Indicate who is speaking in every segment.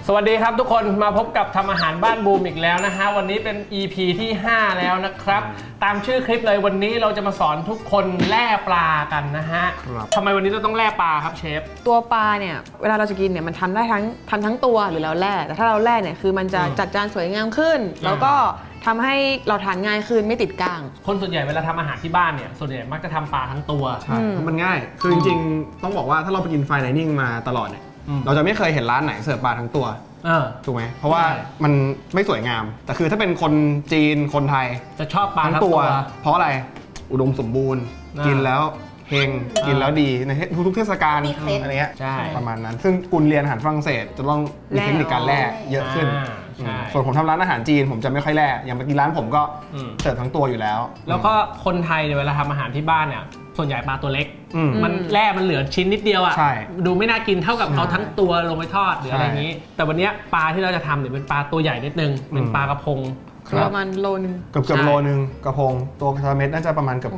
Speaker 1: สวัสดีครับทุกคนมาพบกับทำอาหารบ้านบูมอีกแล้วนะฮะวันนี้เป็น EP ที่5แล้วนะครับตามชื่อคลิปเลยวันนี้เราจะมาสอนทุกคนแล่ปลากันนะฮะทำไมวันนี้เราต้องแล่ปลาครับเชฟ
Speaker 2: ตัวปลาเนี่ยเวลาเราจะกินเนี่ยมันทำได้ทั้งตัวหรือเราแล่แต่ถ้าเราแล่เนี่ยคือมันจะจัดจานสวยงามขึ้นแล้วก็ทำให้เราทานง่ายขึ้นไม่ติดก้าง
Speaker 1: คนส่วนใหญ่เวลาทำอาหารที่บ้านเนี่ยส่วนใหญ่มักจะทำปลาทั้งตัว
Speaker 3: ใช่มันง่ายคือจริงๆต้องบอกว่าถ้าเราไปกินไฟน์ไดนิ่งมาตลอดเนี่ยเราจะไม่เคยเห็นร้านไหนเสิร์ฟปลาทั้งตัวถูกไหมเพราะว่ามันไม่สวยงามแต่คือถ้าเป็นคนจีนคนไทย
Speaker 1: จะชอบปลาทั้งตัว
Speaker 3: เพราะอะไรอุดมสมบูรณ์กินแล้วเฮงกินแล้วดีในทุกเทศกาลอะไรเงี้ยประมาณนั้นซึ่งกุลเรียนอาหารฝรั่งเศสจะต้องมีเทคนิคการแล่เยอะขึ้นส่วนผมทำร้านอาหารจีนผมจะไม่ค่อยแล่อย่างไปกินร้านผมก็เสิร์ฟทั้งตัวอยู่แล้ว
Speaker 1: แล้วก็คนไทยเนี่ยเวลาทำอาหารที่บ้านเนี่ยส่วนใหญ่ปลาตัวเล็กมันแล่มันเหลือชิ้นนิดเดียวอ่ะดูไม่น่ากินเท่ากับเอาทั้งตัวลงไปทอดหรืออะไรอย่างนี้แต่วันนี้ปลาที่เราจะทำเนี่ยเป็นปลาตัวใหญ่นิดนึงเป็นปลากระพง
Speaker 2: ประมาณโลนึง
Speaker 3: เกือบโลนึงกระพงตัวกระเม็ดน่าจะประมาณเกือบ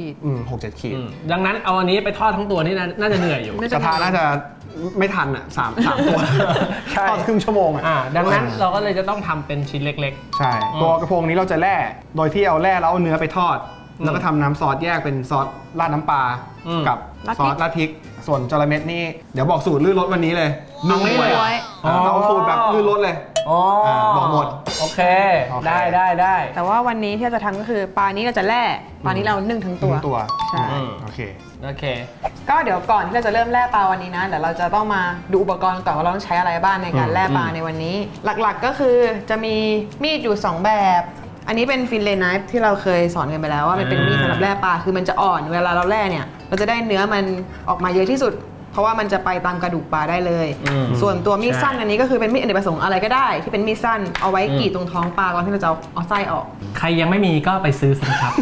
Speaker 3: 6-7 ขีด
Speaker 1: ดังนั้นเอาอันนี้ไปทอดทั้งตัวนี่น่าจะเหนื่อยอยู่
Speaker 3: กระทะน่าจะไม่ทันอ่ะ3 ตัวทอดครึ่งชั่วโมง
Speaker 1: ดังนั้นเราก็เลยจะต้องทำเป็นชิ้นเล็ก
Speaker 3: ๆใช่ตัวกระพงนี้เราจะแล่โดยที่เอาแล่แล้วเอาเนื้อไปทอดแล้วก็ทำน้ำซอสแยกเป็นซอสราดน้ำปลากับซอสราดพริกส่วนจระเม็ดนี่เดี๋ยวบอกสูตรลื่นรสวันนี้เลย
Speaker 2: นึ่งไว้
Speaker 3: เอาสูตรแบบลื่นรสเลยบอกหมด
Speaker 1: โอเคได้
Speaker 2: แต่ว่าวันนี้ที่เราจะทำก็คือปลานี้เราจะแล่ปลานี้เรานึ่งทั้งตัว
Speaker 3: ใช่โอเค
Speaker 2: ก็เดี๋ยวก่อนที่เราจะเริ่มแล่ปลาวันนี้นะเดี๋ยวเราจะต้องมาดูอุปกรณ์ก่อนว่าเราต้องใช้อะไรบ้างในการแล่ปลาในวันนี้หลักๆก็คือจะมีมีดอยู่2แบบอันนี้เป็นฟิลเลต์ไนฟ์ที่เราเคยสอนกันไปแล้วว่ามันเป็นมีดสำหรับแล่ปลาคือมันจะอ่อนเวลาเราแล่เนี่ยเราจะได้เนื้อมันออกมาเยอะที่สุดเพราะว่ามันจะไปตามกระดูกปลาได้เลยส่วนตัวมีดสั้นอันนี้ก็คือเป็นมีดอเนกประสงค์อะไรก็ได้ที่เป็นมีดสั้นเอาไว้กรีดตรงท้องปลาก่อนที่เราจะเอาไส้ออก
Speaker 1: ใครยังไม่มีก็ไปซื้อสิครับ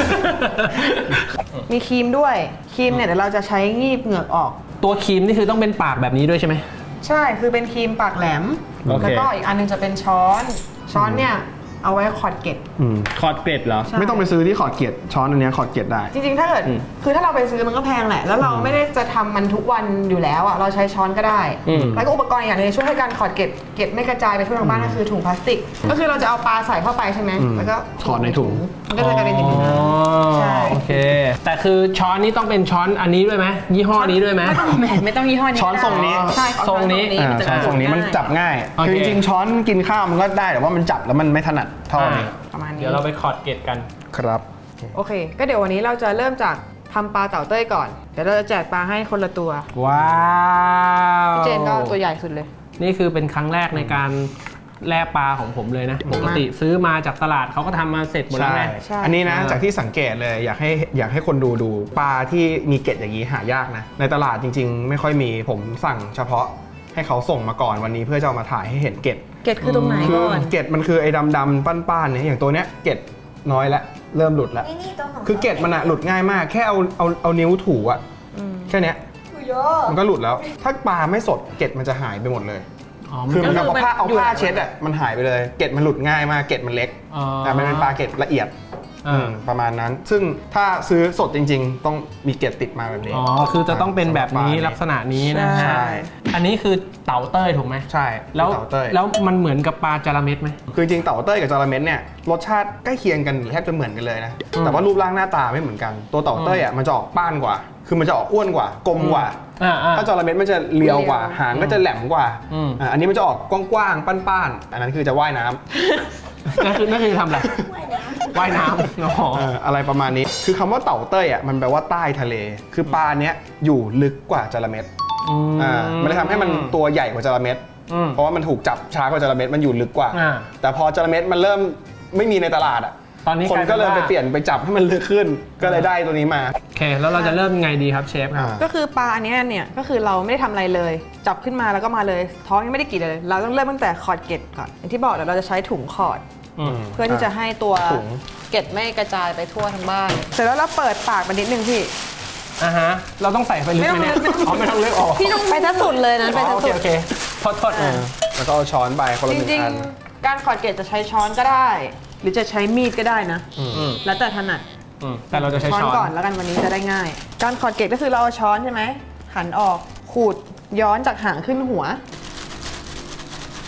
Speaker 2: มีครีมด้วยครีมเนี่ยเดี๋ยวเราจะใช้งีบเหงือกออก
Speaker 1: ตัวครีมนี่คือต้องเป็นปากแบบนี้ด้วยใช่ไหม
Speaker 2: ใช่คือเป็นครีมปากแหลมแล้วก็อีกอันนึงจะเป็นช้อนเนี่ยเอาไว้ขอดเกล็ด
Speaker 1: ขอดเกล็ดเหรอ
Speaker 3: ไม่ต้องไปซื้อที่ขอดเกล็ดช้อนอันนี้ขอดเกล็ดได้
Speaker 2: จริงๆถ้าเกิดคือถ้าเราไปซื้อมันก็แพงแหละแล้วเราไม่ได้จะทำมันทุกวันอยู่แล้วอ่ะเราใช้ช้อนก็ได้แล้วก็อุปกรณ์อย่างนึงช่วยให้การขอดเกล็ดไม่กระจายไปทั่วทั้งบ้านก็คือถุงพลาสติกก็คือเราจะเอาปลาใส่เข้าไปใช่ไหมแล้วก็
Speaker 3: ถอดในถุง
Speaker 2: มันก็จะกลายเป็นอย่างนี้
Speaker 1: ใช่โอเคแต่คือช้อนนี้ต้องเป็นช้อนอันนี้ด้วยไหมยี่ห้อนี้ด้วยไหม
Speaker 2: ไม่ต้องยี่ห้อนี้
Speaker 3: ช้อนทรงนี้
Speaker 2: ใช่
Speaker 1: ทรงนี้
Speaker 3: มันจับง่ายคือจริงๆช้อนกินข้าวมันก็ได้แต่ว่ามันจับแล้วมันไม่ถนัดเท่านี้
Speaker 2: ประมาณนี้
Speaker 1: เดี๋ยวเราไปขอดเกล็ดกัน
Speaker 3: ครับ
Speaker 2: โอเคก็เดี๋ยววันนี้เราจะเริ่มจากทำปลาเต่าเต้ยก่อนเดี๋ยวเราจะแจกปลาให้คนละตัว
Speaker 1: ว้าว
Speaker 2: พี่เจนก็ตัวใหญ่สุดเลย
Speaker 1: นี่คือเป็นครั้งแรกในการแล่ปลาของผมเลยนะปกติซื้อมาจากตลาดเขาก็ทำมาเสร็จหมดแล้วไง
Speaker 3: อันนี้นะจากที่สังเกตเลยอยากให้คนดูปลาที่มีเกล็ดอย่างนี้หายากนะในตลาดจริงๆไม่ค่อยมีผมสั่งเฉพาะให้เขาส่งมาก่อนวันนี้เพื่อจะเอามาถ่ายให้เห็นเกล็ด
Speaker 2: คือตรงไหนก่อน
Speaker 3: เกล็ดมันคือไอ้ดำๆป้านๆเนี่ยอย่างตัวเนี้ยเกล็ดน้อยแล้วเริ่มหลุดแล้วคือเกล็ดมันหลุดง่ายมากแค่เอานิ้วถูอะแค่เนี้ยมันก็หลุดแล้วถ้าปลาไม่สดเกล็ดมันจะหายไปหมดเลยคือมันเอาผ้าเช็ดอะมันหายไปเลยเกล็ดมันหลุดง่ายมากเกล็ดมันเล็กแต่มันเป็นปลาเกล็ดละเอียดประมาณนั้นซึ่งถ้าซื้อสดจริงๆต้องมีเกล็ดติดมาแบบนี้
Speaker 1: คือจะต้องเป็นแบบนี้ลักษณะนี้นะฮะอันนี้คือเต่าเต้ยถูกไหม
Speaker 3: ใช่
Speaker 1: แล้วมันเหมือนกับปลาจาระเม็ดไหม
Speaker 3: คือจริงเต่าเต้ยกับจาระเม็ดเนี่ยรสชาติใกล้เคียงกันแทบจะเหมือนกันเลยนะแต่ว่ารูปร่างหน้าตาไม่เหมือนกันตัวเต่าเต้ยอ่ะมันจะออกป้านกว่าคือมันจะออกอ้วนกว่ากลมกว่าถ้าจาระเม็ดมันจะเรียวกว่าหางก็จะแหลมกว่าอันนี้มันจะออกกว้างๆป้านๆอันนั้นคือจะว่ายน้ำ
Speaker 1: นั่นคือทำอะไรว่ายน้
Speaker 3: ำอะไรประมาณนี้คือคำว่าเต่าเต้ยอ่ะมันแปลว่าใต้ทะเลคือปลาเนี้ยอยู่ลึกกว่าจาระเม็ดมันเลยทำให้มันตัวใหญ่กว่าจาระเม็ดเพราะว่ามันถูกจับช้ากว่าจาระเม็ดมันอยู่ลึกกว่าแต่พอจาระเม็ดมันเริ่มไม่มีในตลาดอ่ะ
Speaker 1: ตอนนี้
Speaker 3: คนก็เลยไปเปลี่ยนไปจับให้มันลึกขึ้นก็เลยได้ตัวนี้มา
Speaker 1: โอเคแล้วเราจะเริ่มไงดีครับเชฟครับ
Speaker 2: ก็คือปลาอันนี้เนี่ยก็คือเราไม่ได้ทำอะไรเลยจับขึ้นมาแล้วก็มาเลยท้องยังไม่ได้กรีดเลยเราต้องเริ่มตั้งแต่ขอดเกล็ดก่อนอย่างที่บอกเดี๋ยวเราจะใช้ถุงขอดเพื่อที่จะให้ตัวเกล็ดไม่กระจายไปทั่วทั้งบ้านเสร็จแล้วเราเปิดปากมันนิดนึงพี่
Speaker 1: เราต้องใส่ไฟลึกไหมเนี่ยไม่ต้องลึกออก
Speaker 2: พี่ต้องไปทั้งสุดเลยนะไปทั้งสุด
Speaker 1: โอเคโทษ
Speaker 3: แล้วก็เอาช้อนไปคนละหนึ่งอัน
Speaker 2: การขอดเกล็ดจะใช้ช้อนก็ได้หรือจะใช้มีดก็ได้นะแล้วแต่ถนัด
Speaker 1: แต่เราจะใช้ช้อน
Speaker 2: ก่อนแล้วกันวันนี้จะได้ง่ายการขอดเกล็ดก็คือเราเอาช้อนใช่ไหมหันออกขูดย้อนจากหางขึ้นหัว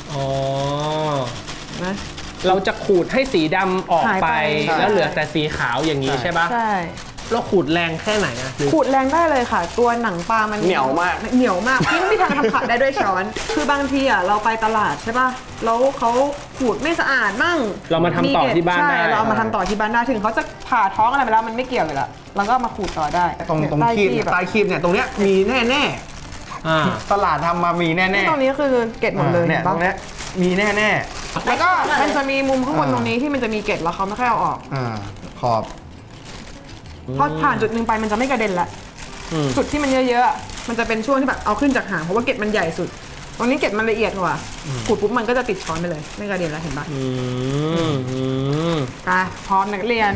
Speaker 1: อ๋อ
Speaker 2: นะ
Speaker 1: เราจะขูดให้สีดำออก
Speaker 2: หาย
Speaker 1: ไป
Speaker 2: ไปใช่
Speaker 1: แล้วเหลือแต่สีขาวอย่างนี้ใช่ปะ
Speaker 2: ใช่
Speaker 1: เราขูดแรงแค่ไหนอะหรือ
Speaker 2: ขูดแรงได้เลยค่ะ ตัวหนังปลามัน
Speaker 3: เหนียวมาก
Speaker 2: เหนียวมากพี่ไม่มีทางทำขาดได้ด้วยช้อน คือบางทีอ่ะเราไปตลาดใช่ป่ะแล้วเขาขูดไม่สะอาดมั่ง
Speaker 1: เรามาทำต่อที่บ้าน
Speaker 2: ใช่
Speaker 1: ได้
Speaker 2: เราเอามาทำต่อที่บ้านได้ถึงเขาจะผ่าท้องอะไรไปแล้วมันไม่เกี่ยวเลยละเราก็เอามาขูดต่อได้
Speaker 3: ตรง
Speaker 2: เนี่ย
Speaker 3: คีบ
Speaker 2: ใต้
Speaker 3: ใต้คีบเนี่ยตรงเนี้ยมีแน่
Speaker 1: อ่า
Speaker 3: ๆตลาดทำมามีแน่
Speaker 2: นี่ตรงนี้คือเกล็ดหมดเลย
Speaker 3: เนี่ย
Speaker 2: เห็น
Speaker 3: ต
Speaker 2: ปะ
Speaker 3: รงเนี้ยมีแน่
Speaker 2: แล้วก็มันจะมีมุมข้างบนตรงนี้ที่มันจะมีเกล็ดแล้วเขาไม่ค่อยเอาออก
Speaker 3: ขอบ
Speaker 2: พอผ่านจุดหนึ่งไปมันจะไม่กระเด็นละ
Speaker 1: อืม
Speaker 2: จุดที่มันเยอะๆอะมันจะเป็นช่วงที่แบบเอาขึ้นจากหางเพราะว่าเกล็ดมันใหญ่สุด ตรงนี้เกล็ดมันละเอียดกว่าขูดปุ๊บมันก็จะติดช้อนไปเลยไม่กระเด็นแล้วเห็นปะ
Speaker 1: อืม
Speaker 2: ไปพร้อมนักเรียน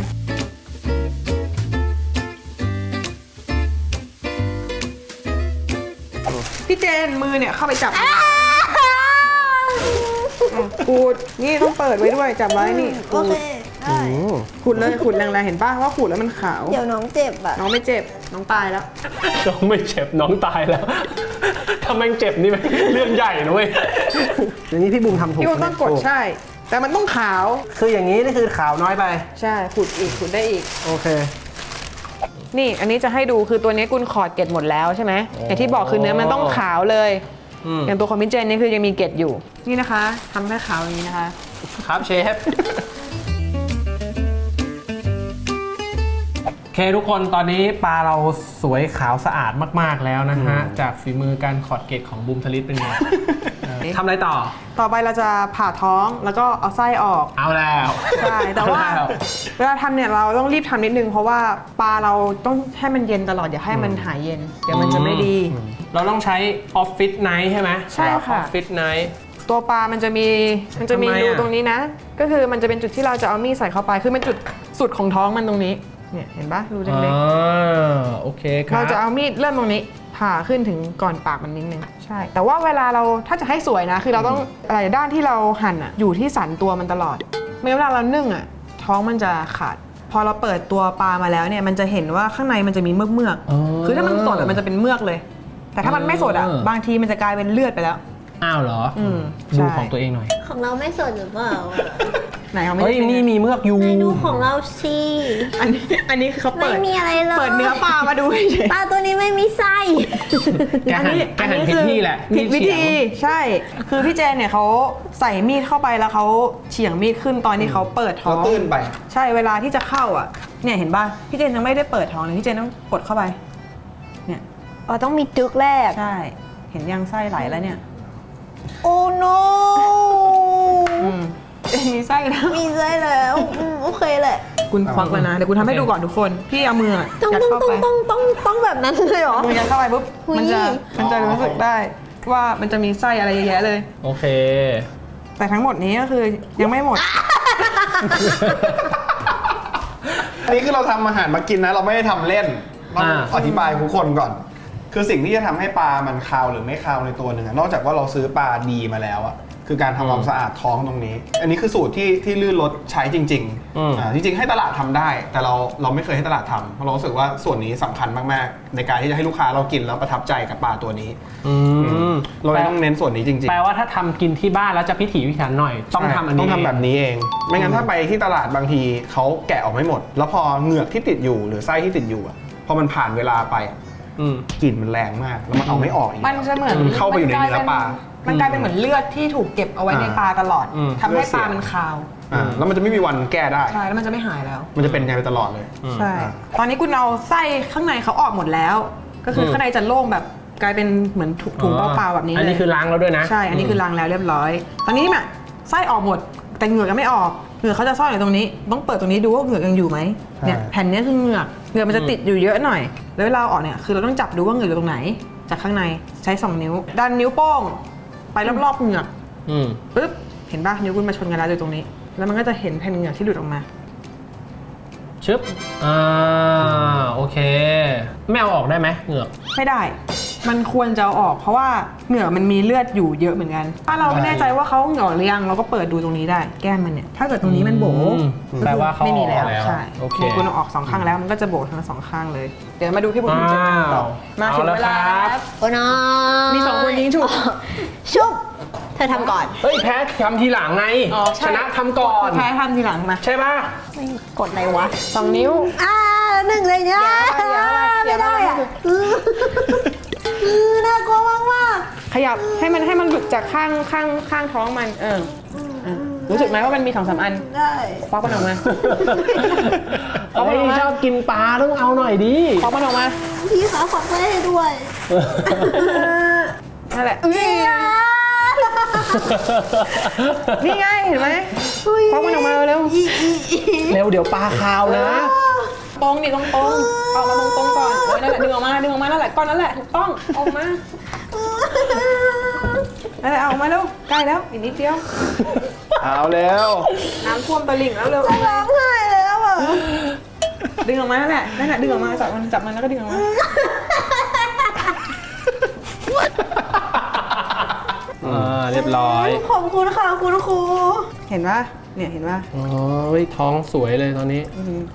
Speaker 2: พี่เจนมือเนี่ยเข้าไปจับขูดนี่ต้องเปิดไว้ด้วยจับไว้นี่
Speaker 4: โอเคได้
Speaker 2: ขูดเลยขูดแรงๆเห็นป่ะว่าขูดแล้วมันขาว
Speaker 4: เดี๋ยวน้องเจ็บอ่ะ
Speaker 2: น้องไม่เจ็บน้องตายแล้ว
Speaker 1: น้องไม่เจ็บน้องตายแล้ว ถ้าแม่งเจ็บนี่มันเรื่องใหญ่นะเว้ย
Speaker 3: อย่างนี้พี่บุ๋มทำถูก
Speaker 2: พี่ว่าต้องกดใช่ แต่มันต้องขาว
Speaker 3: คืออย่างนี้นี่คือขาวน้อยไป
Speaker 2: ใช่ขูดอีกขูดได้อีก
Speaker 3: โอเค
Speaker 2: นี่อันนี้จะให้ดูคือตัวนี้กุนขอดเกล็ดหมดแล้วใช่ไหมอย่างที่บอกคือเนื้อมันต้องขาวเลย อย่างตัวคอมมิเจนนี่คือยังมีเกล็ดอยู่นี่นะคะทำให้ขาวอย่างนี้นะคะ
Speaker 1: ครับเชฟ โอเคทุกคนตอนนี้ปลาเราสวยขาวสะอาดมากๆแล้วนะฮะ จากฝีมือการขอดเกล็ดของบูมทลิตเป็นไง ทำอะไรต่อ
Speaker 2: ต่อไปเราจะผ่าท้องแล้วก็เอาไส้ออก
Speaker 1: เอาแล้ว
Speaker 2: ใช่แต่ว่า
Speaker 1: เอล้
Speaker 2: เวลาทำเนี่ยเราต้องรีบทำนิดนึงเพราะว่าปลาเราต้องให้มันเย็นตลอดอย่าให้มันหายเย็นเดี๋ยวมันจะไม่ดี
Speaker 1: เราต้องใช้ออฟฟิศไนท์ใช่ไหม
Speaker 2: ใช่ค่ะ
Speaker 1: ออฟฟิศไนท์
Speaker 2: ตัวปลามันจะมี
Speaker 1: ทำไมอะ
Speaker 2: รูตรงนี้นะ ก็คือมันจะเป็นจุดที่เราจะเอามีดใส่เข้าไปคือเป็นจุดสุดของท้องมันตรงนี้เนี่ยเห็นปะรูเล็ก
Speaker 1: โอเคค
Speaker 2: ๆ
Speaker 1: รับ
Speaker 2: เราจะเอามีดเริ่มตรงนี้ผ่าขึ้นถึงก่อนปากมันนิดนึงใช่ แต่ว่าเวลาเราถ้าจะให้สวยนะ คือเราต้องอะไรด้านที่เราหั่นอ่ะอยู่ที่สันตัวมันตลอดไม่งั้นเวลาเรานึ่งอ่ะท้องมันจะขาด พอเราเปิดตัวปลามาแล้วเนี่ยมันจะเห็นว่าข้างในมันจะมีเมือก
Speaker 1: อ๋อ
Speaker 2: ๆคือถ้ามันสดอะมันจะเป็นเมือกเลย แต่ถ้ามันไม่สดอ่ะบางทีมันจะกลายเป็นเลือดไปแล้ว
Speaker 1: อ้าวเหรออ
Speaker 2: ม
Speaker 1: ดู
Speaker 2: ใช่
Speaker 1: ของตัวเองหน่อย
Speaker 4: ของเราไม่สดหรือเปล่าอะ
Speaker 2: ไหนเขาไม่
Speaker 1: เฮ้ย
Speaker 2: ได้
Speaker 1: นี่มีเมือกอยู่
Speaker 4: ไหนดูของเราสิ
Speaker 2: อันนี้คือเขาเปิด
Speaker 4: ไม่มีอะไรเลย
Speaker 2: เปิดเนื้อปลามาดูเฉย
Speaker 4: ปลาตัวนี้ไม่มีไส้
Speaker 1: แกหันผิดที่แหละ
Speaker 2: ผิดวิ
Speaker 1: มีดเฉีย
Speaker 2: ธี
Speaker 1: ง
Speaker 2: ใช่ คือพี่เจนเนี่ยเขาใส่มีดเข้าไปแล้วเขาเฉียงมีดขึ้นตอนที่เขาเปิดท้อ
Speaker 3: เรา
Speaker 2: ง
Speaker 3: ตื้นไป
Speaker 2: ใช่เวลาที่จะเข้าอ่ะเนี่ยเห็นป่ะพี่เจนยังไม่ได้เปิดท้องเลยพี่เจนต้องกดเข้าไปเนี่ย
Speaker 4: อ๋อต้องมีจึกแรก
Speaker 2: ใช่เห็นยังไส้ไหลแล้วเนี่ย
Speaker 4: โอ้ no
Speaker 2: มีไส้แล้ว
Speaker 4: มีไส้แล้วโอเคแหละ
Speaker 2: คุณควักแล้วนะเดี๋ยวคุณทำให้ดูก่อนทุกคนพี่เอามือ
Speaker 4: ต้อง
Speaker 2: ยัด
Speaker 4: ต้อง
Speaker 2: เข้า
Speaker 4: ต้อ
Speaker 2: ไป
Speaker 4: งต้องต้องต้องแบบนั้นเลยเหรอ
Speaker 2: มือยัดเข้าไปปุ๊บ
Speaker 4: อุ๊ย
Speaker 2: มันจะรู้สึกได้ว่ามันจะมีไส้อะไรเยอะแยะเลย
Speaker 1: โอเค
Speaker 2: แต่ทั้งหมดนี้ก็คือยังไม่หมด
Speaker 3: อันนี้คือเราทำอาหารมากินนะ เราไม่ได้ทำเล่นต้องอธิบายทุกคนก่อน คือสิ่งที่จะทำให้ปลามันคาวหรือไม่คาวในตัวหนึ่งอะนอกจากว่าเราซื้อปลาดีมาแล้วอะคือการทำความสะอาดท้องตรงนี้ อันนี้คือสูตรที่ลื่นรสใช้จริงๆจริงๆให้ตลาดทำได้ แต่เราไม่เคยให้ตลาดทำเพราะเรารู้สึกว่าส่วนนี้สำคัญมากๆ ในการที่จะให้ลูกค้าเรากินแล้วประทับใจกับปลาตัวนี้เราเลยต้องเน้นส่วนนี้จริงๆ
Speaker 1: แปลว่าถ้าทำกินที่บ้านแล้วจะพิถีพิถันหน่อย ต้องทำอันนี้
Speaker 3: ต้องทำแบบนี้เอง ไม่งั้นถ้าไปที่ตลาดบางทีเขาแกะออกไม่หมด แล้วพอเหงือกที่ติดอยู่หรือไส้ที่ติดอยู่อะพอมันผ่านเวลาไปอะ กลิ่นมันแรงมากแล้วมันเอาไม่ออกอีก
Speaker 2: มันจะเหมือน
Speaker 3: เข้าไปอยู่ในเนื้อปลา
Speaker 2: มันกลายเป็นเหมือนเลือดที่ถูกเก็บเอาไว้ในปลาตลอดทำให้ปลามันคาว
Speaker 3: แล้วมันจะไม่มีวันแก้ได้
Speaker 2: ใช่แล้วมันจะไม่หายแล้ว
Speaker 3: มันจะเป็นไงไปตลอดเลย
Speaker 2: ใช่ ตอนนี้คุณเอาไส้ข้างในเขาออกหมดแล้ว ก็คือข้างในจะโล่งแบบกลายเป็นเหมือนถุงเปล่าๆแบบนี้เลย
Speaker 1: อันนี้คือล้างแล้วด้วยนะ
Speaker 2: ใช่ อันนี้คือล้างแล้วเรียบร้อย ตอนนี้แบบไส้ออกหมด แต่เหงือกยังไม่ออก เหงือกเขาจะซ่อนอยู่ตรงนี้ ต้องเปิดตรงนี้ดูว่าเหงือกยังอยู่ไหมเนี่ยแผ่นนี้คือเหงือก เหงือกมันจะติดอยู่เยอะหน่อย แล้วเวลาเอาออกเนี่ย คือเราต้องจับดูว่าเหงือกอยู่ตรงไหน จากข้างในใช้ 2 นิ้ว ดันนิ้วโป้งไปรอบๆเหงือกปึ๊บ เห็นป่ะ นิ้วคุณมาชนกันแล้วอยู่ตรงนี้ แล้วมันก็จะเห็นแผ่นเหงือกที่หลุดออกมา
Speaker 1: ชึบโอเค ไม่เอาออกได้ไหมเหงือก
Speaker 2: ไม่ได้ มันควรจะเอาออกเพราะว่าเหงือกมันมีเลือดอยู่เยอะเหมือนกัน ถ้าเราไม่แน่ใจว่าเขาเหงือกหรือยังเราก็เปิดดูตรงนี้ได้ แก้มมันเนี่ย ถ้าเกิดตรงนี้มันโบ๋
Speaker 1: แปลว่าเขา
Speaker 2: ไม่มีแล้ว
Speaker 1: ออกแล้ว
Speaker 2: ใช่
Speaker 1: โอเค
Speaker 2: คุณเอาออก2ข้างแล้วมันก็จะโบ๋ทั้ง2ข้างเลย เดี๋ยวมาดูพี่บุญจัดการต่อมาถึงเวลา
Speaker 1: เอาละครับ
Speaker 4: โอ้น้อง
Speaker 2: มี2คนยิงฉุก
Speaker 4: ชุบทเธอทำก่อน
Speaker 1: เฮ้ยแพ้ทำทีหลังไง
Speaker 2: อ๋อใช่
Speaker 1: ชนะทำก่อน
Speaker 2: แพ้ทำทีหลังมา
Speaker 1: ใช่ป่ะ
Speaker 4: ไม่กดอะไรวะ
Speaker 2: 2 นิ้ว
Speaker 4: หนึ่งเลยเนี่ย
Speaker 2: อย่า
Speaker 4: ไม่ได้อ่ะน่ากลัวมากมาก
Speaker 2: ขยับให้มันหลุดจากข้างท้องมันรู้สึกไหมว่ามันมี2-3 อัน
Speaker 4: ได้
Speaker 2: ควักมันออกมา
Speaker 1: เฮ้ยชอบกินปลาต้องเอาหน่อยดิ
Speaker 2: ควักมันออกมา
Speaker 4: พี่ขาฝักไว้ให้ด้วย
Speaker 2: นั่นแหละนี่ไงเห็นไหมควักมันออกมาเร็ว
Speaker 1: เร็วเดี๋ยวปลาคาวนะ
Speaker 2: ตรงนี่ตรงออกมาตรงก่อนนั่นแหละดึงออกมานั่นแหละก้อนนั่นแหละถูกต้องออกมานั่นแหละเอามาเร็วใกล้แล้วอีกนิดเดียว
Speaker 3: เอาแล้ว
Speaker 2: น้ำท่วมตลิ่งแล้วเร็ว
Speaker 4: ร้องไห้แล้วอ่ะ
Speaker 2: ดึงออกมานั่นแหละดึงออกมาจับมันแล้วก็ดึงออกมา
Speaker 1: เรียบร้อย
Speaker 4: ขอบคุณค่ะคุณครู
Speaker 2: เห็นปะเนี่ยเห็นปะ
Speaker 1: โอ้ยท้องสวยเลยตอนนี้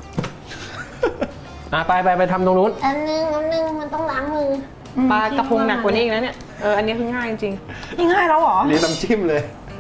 Speaker 1: ไปทำตรงนู้น
Speaker 4: อันนึงมันต้องล้างมือ
Speaker 2: ปลากระพงหนักกว่านี้อีกนะเนี่ยอันนี้คือง่ายจริงๆนี่ง่ายแล้วเหรอ
Speaker 3: เรียนน้ำจิ้มเลย